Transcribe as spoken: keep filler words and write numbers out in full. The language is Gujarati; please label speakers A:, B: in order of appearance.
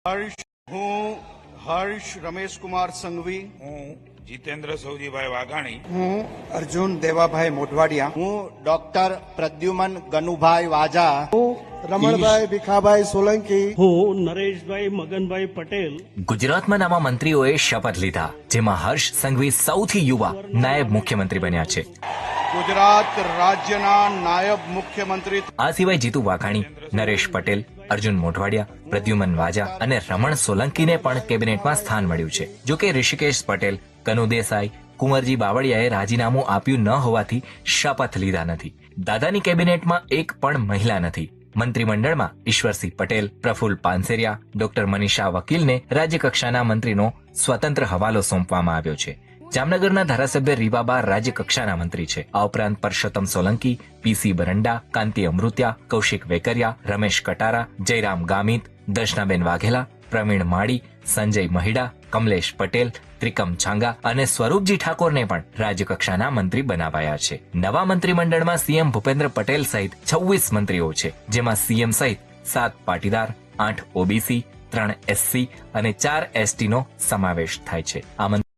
A: હર્ષ હું હર્ષ રમેશકુમાર સંઘવી
B: હું જીતેન્દ્ર સૌજીભાઈ વાઘાણી
C: હું અર્જુન દેવાભાઈ મોઢવાડિયા
D: હું ડોક્ટર પ્રદ્યુમન ગનુભાઈ વાજા
E: હું રમણભાઈ ભીખાભાઈ સોલંકી
F: હું નરેશભાઈ મગનભાઈ પટેલ
G: ગુજરાતમાં નવા મંત્રીઓએ શપથ લીધા, જેમાં હર્ષ સંઘવી સૌથી યુવા નાયબ મુખ્યમંત્રી બન્યા છે.
A: ગુજરાત રાજ્યના નાયબ મુખ્યમંત્રી
G: આ સિવાય જીતુ વાઘાણી, નરેશ પટેલ, અર્જુન મોઢવાડિયા, પ્રદ્યુમન વાજા અને રમણ સોલંકીને પણ કેબિનેટમાં સ્થાન મળ્યું છે. જોકે ઋષિકેશ પટેલ, કનુ દેસાઈ, કુંવરજી બાવળિયાએ રાજીનામું આપ્યું ન હોવાથી શપથ લીધા નથી. દાદાની કેબિનેટમાં એક પણ મહિલા નથી. મંત્રીમંડળમાં ઈશ્વરસિંહ પટેલ, પ્રફુલ્લ પાનસેરિયા, ડોક્ટર મનીષા વકીલને રાજ્યકક્ષાના મંત્રીનો સ્વતંત્ર હવાલો સોંપવામાં આવ્યો છે. જામનગરના ધારાસભ્ય રીવાબા રાજ્યકક્ષાના મંત્રી છે. આ ઉપરાંત પરસોત્તમ સોલંકી, પીસી બરંડા, કાંતિ અમૃત્યા, કૌશિક વેકરિયા, રમેશ કટારા, જયરામ ગામિત, દર્શનાબેન વાઘેલા, પ્રવીણ માળી, સંજય મહિડા, કમલેશ પટેલ, ત્રિકમ છાંગા અને સ્વરૂપજી ઠાકોરને પણ રાજ્યકક્ષાના મંત્રી બનાવાયા છે. નવા મંત્રીમંડળમાં સીએમ ભૂપેન્દ્ર પટેલ સહિત છવ્વીસ મંત્રીઓ છે, જેમાં સીએમ સહિત સાત પાટીદાર, આઠ ઓબીસી, ત્રણ એસસી અને ચાર એસટીનો સમાવેશ થાય છે. આ